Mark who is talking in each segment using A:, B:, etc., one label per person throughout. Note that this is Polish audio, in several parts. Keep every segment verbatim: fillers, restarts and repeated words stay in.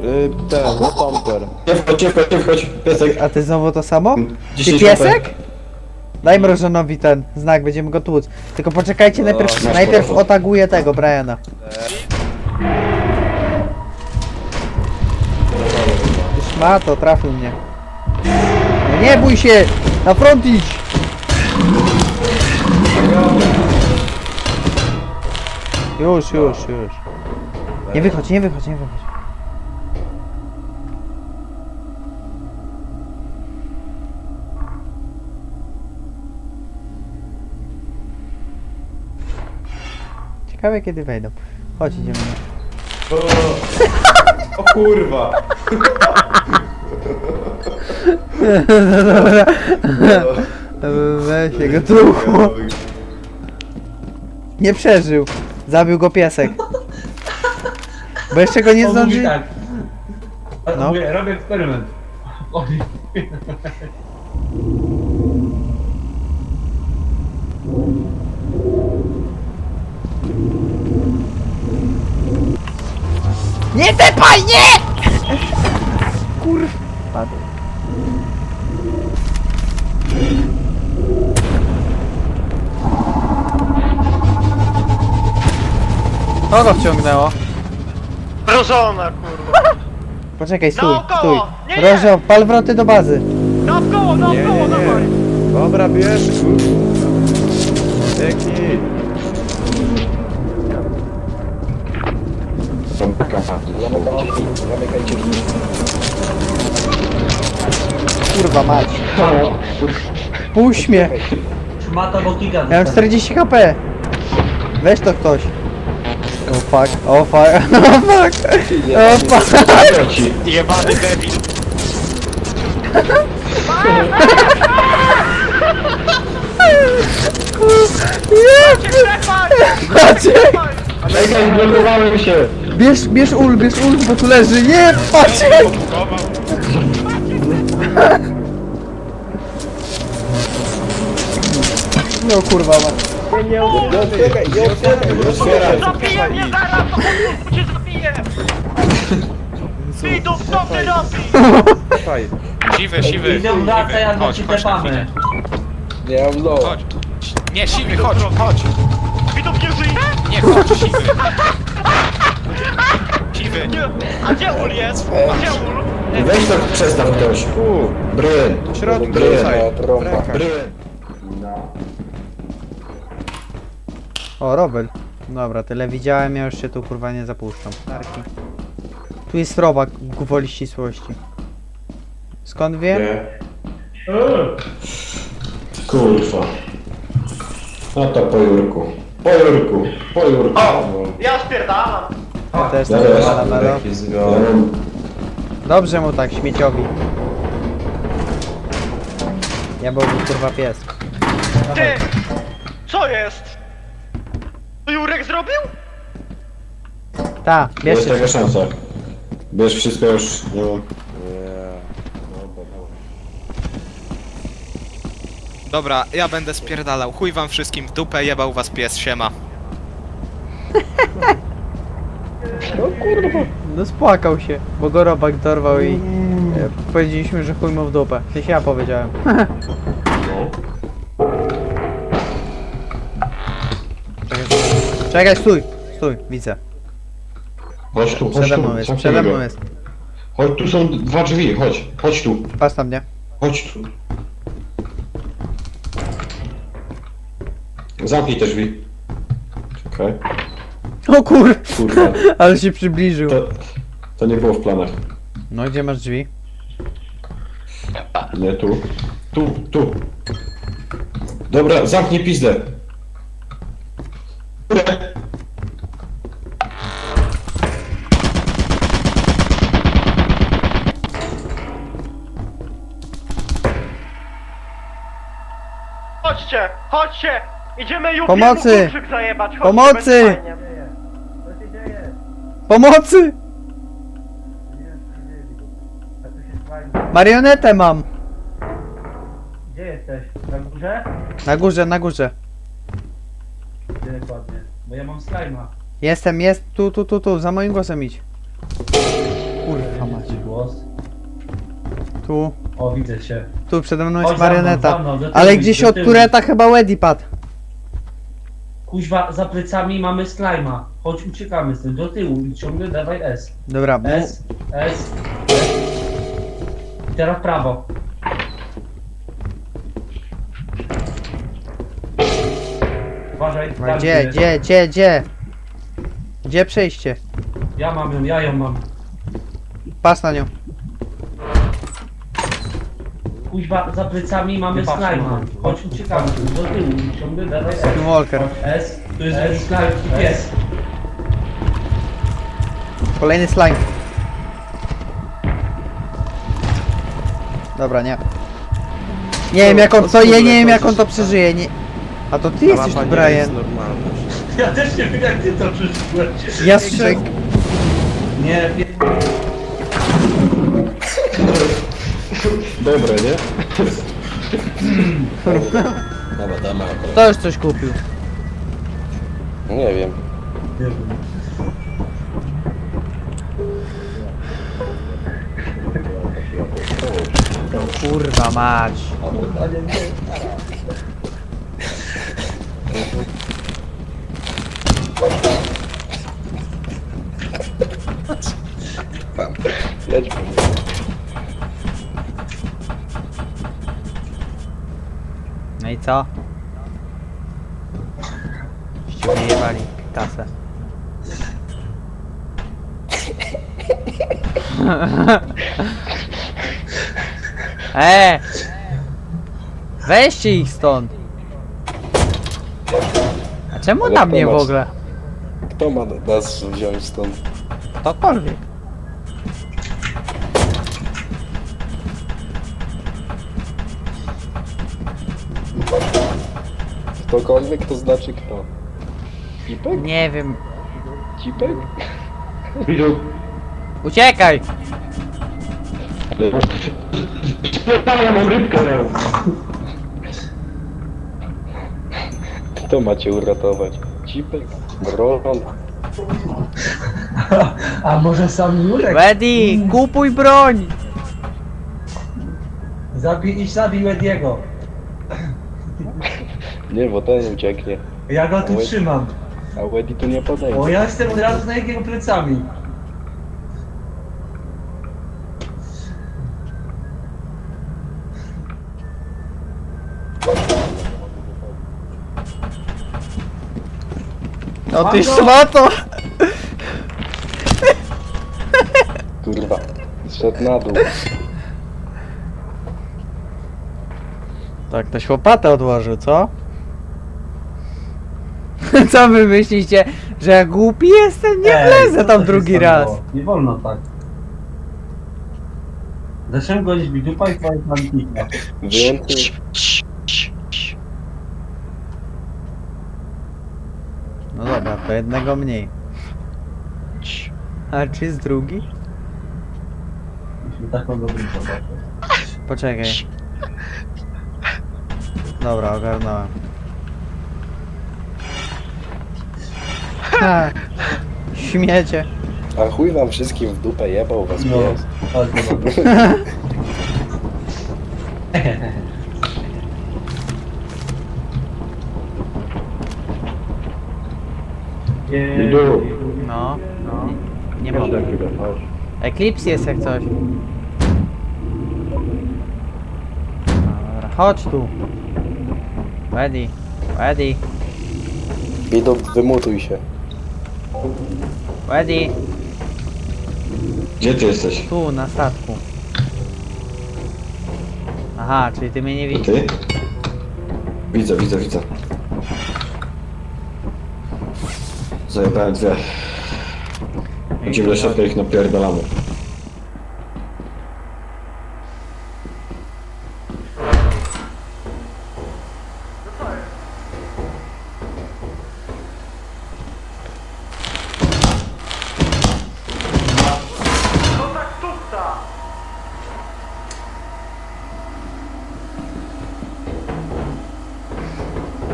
A: y, ten, stomper.
B: Nie wchodź, nie wchodź, nie wchodź, piesek.
C: A ty znowu to samo? Ty
B: dziesięć
C: piesek? Daj mrożonowi ten znak, będziemy go tłuc. Tylko poczekajcie,
A: O,
C: najpierw,
B: masz
C: najpierw
B: telefon.
C: otaguję tego, Briana. Już ma to, trafił mnie. No nie bój się! Na front idź! Już, już, już. Nie wychodź, nie wychodź, nie wychodź. Ciekawe kiedy wejdą. Chodź, idziemy.
B: O, o kurwa.
C: No dobra. Weź jego truchło. Nie przeżył. Zabił go piesek. Bo jeszcze go nie
D: On mówi
C: zdąży...
D: tak.
C: No.
D: Mówię, robię eksperyment. Oj.
C: Nie tepaj, nie! Kurwa. Padł. Kogo wciągnęło?
E: Mrożona, kurwa!
C: Poczekaj, stój,
E: Naokoło!
C: stój.
E: Nie, nie!
C: Rożo, pal wroty do bazy.
E: Naokoło,
A: Nie, nie,
E: naokoło, dawaj!
A: nie. Dobra, bierz. Dzięki.
C: Kurwa mać. Puść mnie.
D: Szmata botika.
C: Ja mam czterdzieści HP. Weź to ktoś. O oh, fuck, o oh, fuck, o oh, fuck, o fuck.
E: Jebany debil!
C: Maciek!
B: Czekaj, blokowałem się.
C: Bierz, bierz ul, bierz ul, bo tu leży, nie, Maciek! No kurwa ma.
A: Nie otwieraj, nie otwieraj, nie otwieraj.
E: Zabiję mnie zaraz, to po cię zabiję! Idą, co ty robisz?
A: Słuchaj,
F: Siwy, siwy,
D: Idę wracaj, jak go
F: chodź,
D: ci
F: chodź na
D: tepamy.
F: chwilę.
A: nie mam low.
F: Chodź. Nie, siwy, chodź, chodź.
E: Widok nie żyje?
F: Nie, chodź, siwy. Siwy.
E: Nie. A gdzie ul jest? A gdzie ul?
B: Weź to przestaw ktoś.
A: Tu,
B: Bryn.
A: w środku,
B: Bryn.
A: tutaj. Ręka.
B: Bryn.
C: O, Robel. Dobra, tyle widziałem, ja już się tu kurwa nie zapuszczam. Tarki. Tu jest robak gwoli ścisłości. Skąd wiem?
B: Nie. Kurwa. No to po Jurku. Po Jurku. Po Jurku.
E: Ja spierdalam.
C: Ja też
B: Ja
C: tak
B: też.
C: wywalam, ale...
B: Ja mam...
C: Dobrze mu tak, śmieciowi. Ja byłby kurwa pies.
E: Ty! Co jest? To Jurek zrobił?
C: Ta, bierz
B: Jest
C: się.
B: taka szansa. Bierz wszystko już. Nie mam.
F: Dobra, ja będę spierdalał. Chuj wam wszystkim w dupę, jebał was pies, siema.
C: No spłakał się, bo go robak dorwał i... E, powiedzieliśmy, że chuj mu w dupę. W sensie ja powiedziałem. Czekaj, Czekaj, stój! Stój, widzę.
B: Chodź tu, chodź
C: Przede
B: tu.
C: mną jest,
B: zamknij
C: przede
B: go.
C: mną jest.
B: Chodź, tu są dwa drzwi, chodź. Chodź tu.
C: Patrz na mnie.
B: Chodź tu. Zamknij te drzwi. Czekaj.
C: O kur...
B: Kurwa.
C: Ale się przybliżył.
B: To, to nie było w planach.
C: No gdzie masz drzwi?
B: Nie tu. Tu, tu. Dobra, zamknij pizdę.
E: Chodźcie, chodźcie! Idziemy Jukiemu
C: Pomocy!
E: kluczyk zajebać, chodźcie,
C: Pomocy!
E: będzie fajnie.
C: Pomocy! Marionetę mam!
D: Gdzie jesteś? Na górze?
C: Na górze, na górze.
D: Gdzie dokładnie? Bo ja mam slajma.
C: Jestem, jest, tu, tu, tu, tu, za moim głosem idź. Kurwa mać.
D: Głos.
C: Tu,
D: O, widzę cię.
C: tu przede mną
D: Chodź
C: jest
D: za mną,
C: marioneta.
D: za mną, do tyłu
C: Ale
D: idź,
C: gdzieś
D: do
C: od
D: tyłu.
C: tureta chyba Weddy padł.
D: Kuźwa, za plecami mamy slajma. Chodź, uciekamy z tym. Do tyłu i ciągle dawaj S.
C: Dobra, mu...
D: S, S, S. I teraz prawo. Uważaj,
C: No
D: tam
C: gdzie,
D: jest.
C: gdzie, gdzie, gdzie? Gdzie przejście?
D: Ja mam ją, ja ją mam.
C: Pas na nią.
D: Kuźwa, za plecami mamy slajma. Chodź, uciekamy z tym. Do tyłu i ciągle dawaj S.
C: Walker.
D: S, tu jest S, slime i pies.
C: Kolejny slime. Dobra, nie. Nie wiem jak on, to ja nie wiem jak on to przeżyje, nie... A to ty jesteś tu, Brian.
D: Ja też nie wiem jak ty to przeżyłeś.
C: Ja strzel...
D: Nie, pie...
B: Dobre, nie? Dobra, damy akurat.
C: To już coś kupił.
A: Nie wiem.
D: nie wiem.
C: Kurwa mać.
A: Jedź.
C: No i co? Ście wyjebali kasę. Eee! Weźcie ich stąd! A czemu
A: Ale
C: na mnie w
A: popatrz.
C: ogóle?
A: Kto ma nas wziąć stąd?
C: Ktokolwiek.
A: Ktokolwiek to znaczy kto? Cipek?
C: Nie wiem.
A: Cipek?
B: Widział?
C: Uciekaj!
B: Ja mam rybkę.
A: Kto macie uratować? Cipek? Bron?
D: A może sam Jurek?
C: Weddy, kupuj broń!
D: Zabij, idź zabij Wediego.
A: Nie, bo ten ucieknie.
D: Ja go tu
A: Oj.
D: trzymam.
A: A Weddy tu nie podejdzie.
D: O, ja jestem od razu na jego plecami.
C: No ty
D: Mam go!
C: szmato!
A: Kurwa. Zszedł na dół.
C: Tak, ktoś łopatę odłożył, co? Co wy myślicie, że ja głupi jestem? Nie
D: Ej,
C: wlezę
D: co
C: tam
D: to się
C: drugi
D: stało?
C: raz.
D: Nie wolno tak. Zacząłem gonić mi dupa i twoje plantika.
A: Więcej.
C: No dobra, to jednego mniej. A czy jest drugi?
D: Myśmy taką dobrą zobaczę.
C: Poczekaj. Dobra, ogarnąłem. Ha, śmiecie.
A: A chuj wam wszystkim w dupę jebał was
D: No,
A: pies.
D: chodź, zobacz.
B: Idu.
C: No, no. Nie mogę. Eclipse jest jak coś. Dobra, chodź tu. Weddy, Weddy,
A: Idą, wymutuj się.
C: Weddy.
B: Gdzie ty jesteś?
C: Tu, na statku. Aha, czyli ty mnie nie
B: To
C: widzisz.
B: ty? Widzę, widzę, widzę. Zajebałem dwie. Idziemy do środka, ich napierdalamy.
E: No tak tupta!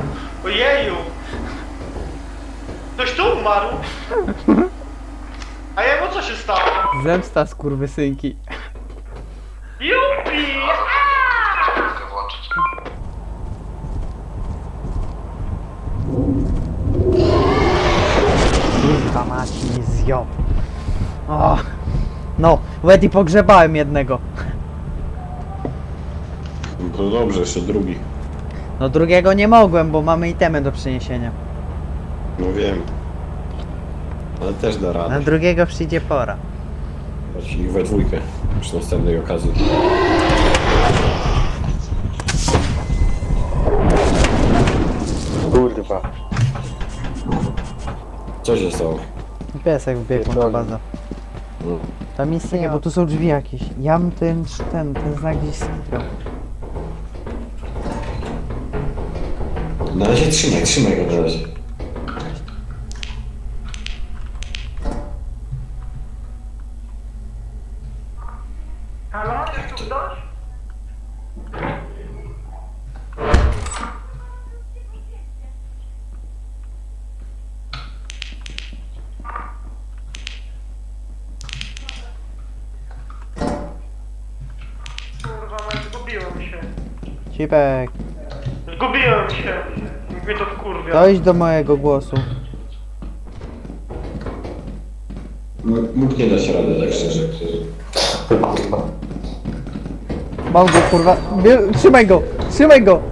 E: Ojeju! Ktoś tu umarł? A jemu co się stało?
C: Zemsta skurwysynki.
E: Jupi!
C: Kurwa mać mi zjął. O. No, Weddy pogrzebałem jednego.
B: No to dobrze, jeszcze drugi.
C: No drugiego nie mogłem, bo mamy itemy do przeniesienia.
B: No wiem. Ale też da
C: Na
B: radę.
C: drugiego przyjdzie pora.
B: Chodź ich we dwójkę. Przy następnej okazji.
A: Kurwa.
B: Co się stało?
C: Piesek wbiegł na
A: Pierdolę.
C: bazę.
B: No.
C: Tam nic nie, bo tu są drzwi jakieś. Ja bym ten, ten, ten znak gdzieś skitrał.
B: Na razie trzymaj, trzymaj go na razie.
E: Halo, jest tu ktoś? Kurwa, mać, zgubiłem się.
C: Cipek,
E: Zgubiłem się. Mnie to wkurwia.
C: dojdź do mojego głosu.
B: No, mógł nie dać rady, tak szczerze.
A: Kurwa.
C: Mam go kurwa. Bie- Trzymaj go! Trzymaj go!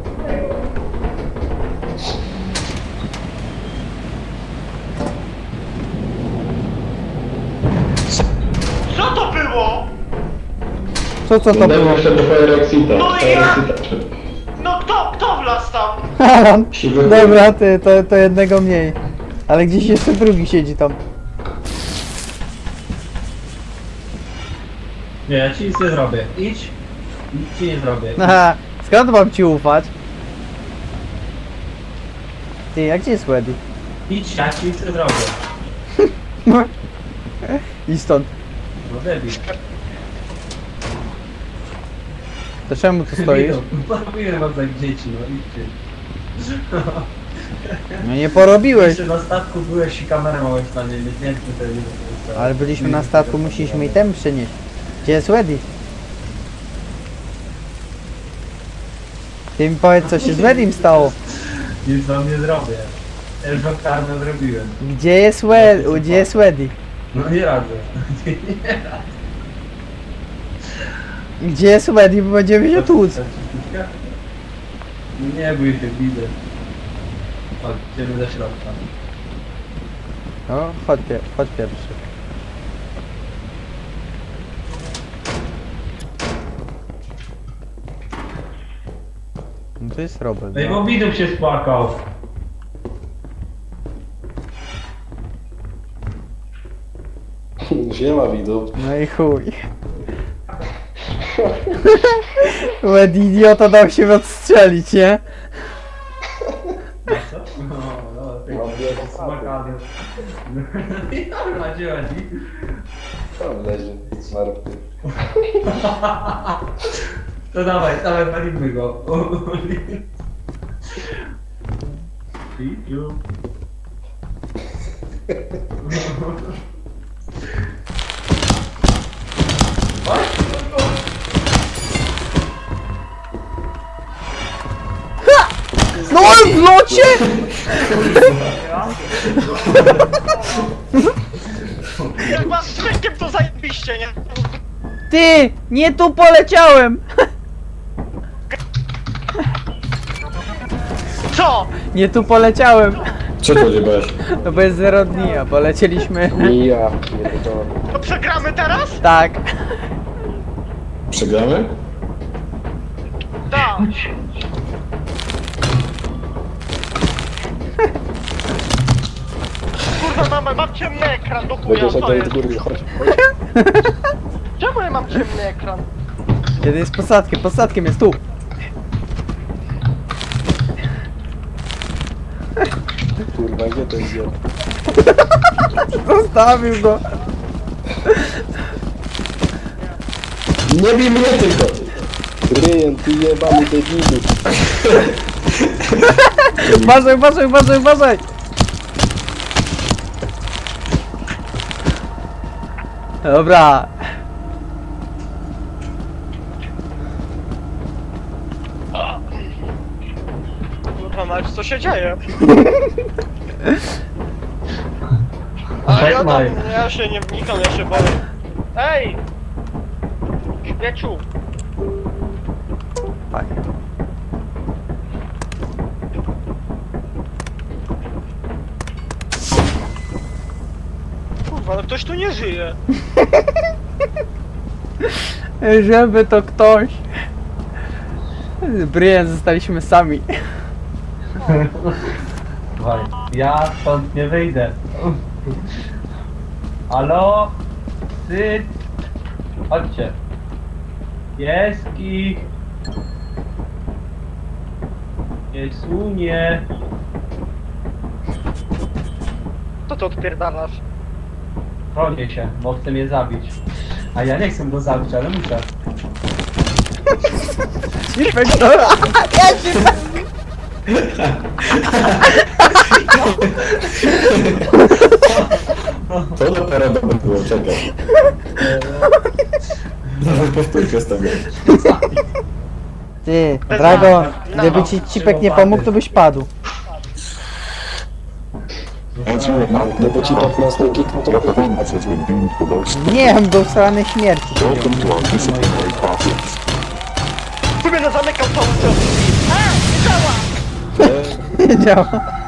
E: Co to było?
C: Co co to było?
B: Jeszcze do Fire Exita.
E: No i
B: Fire
E: ja-
B: Exita.
E: No kto, kto wlazł tam?
C: Alan!
B: Siwy
C: Dobra, ty, to, to jednego mniej. Ale gdzieś jeszcze drugi siedzi tam.
D: Nie, ja ci nic nie zrobię. Idź. Nic ci nie zrobię.
C: Aha, skąd mam ci ufać? Ty, a gdzie jest Weddy?
D: Idź, ja ci nic nie zrobię.
C: I stąd.
D: No debil.
C: To czemu tu stoisz?
D: Porobiłem wam tak dzieci, no idźcie.
C: No nie porobiłeś.
D: Jeszcze na statku byłeś i kamerę małeś na nie, nie wiem, czy to jest.
C: Ale byliśmy na statku, musieliśmy i tem przynieść. Gdzie jest Weddy? Ty mi powiedz, co się z Weddym stało.
D: Nic wam nie zrobię. Ja już wam karmę zrobiłem.
C: Gdzie jest Weddy? Gdzie jest Weddy?
D: No nie radzę.
C: Gdzie jest Weddy, bo będziemy się tłuc.
D: No nie bój się, widzę. Chodź, idziemy do środka.
C: No, chodź, pier chodź pierwszy. No to jest Robert.
D: No i
C: No.
D: bo widok się spłakał.
A: Siema widu.
C: No i chuj. Łed idiota dał się odstrzelić, nie?
D: Co? No, no, tak
A: Mam wiele
D: smakany. Dobra, gdzie chodzi?
A: Tam leży zmarty.
D: To dawaj, dawaj, palimy go. I już.
C: No w locie!
E: Jak was z rynkiem to zajebiście, nie?
C: Ty! Nie tu poleciałem!
E: Co?
C: Nie tu poleciałem!
B: Co to odjebałeś?
C: No bo jest zero dni, a polecieliśmy.
A: I ja, pierdolę.
E: To przegramy teraz?
C: Tak.
B: Przegramy?
E: Tak. Kurwa, mam, mam ciemny ekran do chuja,
A: Będziesz
E: co
A: oddał
E: jest?
A: do góry, chodź.
E: Czemu ja mam ciemny ekran?
C: Kiedy jest posadkiem? Posadkiem jest tu.
A: Kurwa, gdzie to jest?
C: Zostawił go.
B: Nie bij mnie tylko!
A: Ryjen, ty jebany debilu.
C: Uważaj, uważaj, uważaj, uważaj! Dobra.
E: Kurwa mać, co się dzieje?
D: A
E: A ja
D: tak
E: tam,
D: mają.
E: ja się nie wnikam, ja się boję. Ej! Śmieciu!
C: Fajnie.
E: Kurwa, no ktoś tu nie żyje.
C: Żeby to ktoś. Brian, zostaliśmy sami.
D: Słuchaj, ja stąd nie wyjdę. Halo? Ty? Chodźcie. Pieski. Piesunie.
E: Co ty odpierdalasz?
D: Chronię się, bo chcę mnie zabić. A ja nie chcę go zabić, ale muszę.
C: Inspektora!
B: To dopiero dobre było, czekaj. Nawet powtórkę z tego.
C: Ty,
E: Bez
C: Dragon,
E: no.
C: gdyby ci Cipek nie pomógł, to byś padł.
A: Gdyby ci piętnaście kiknął, to by...
C: Nie, on był strony śmierci.
E: Sobie na zamykał całą ciąg. A! Nie działa!
C: Nie działa.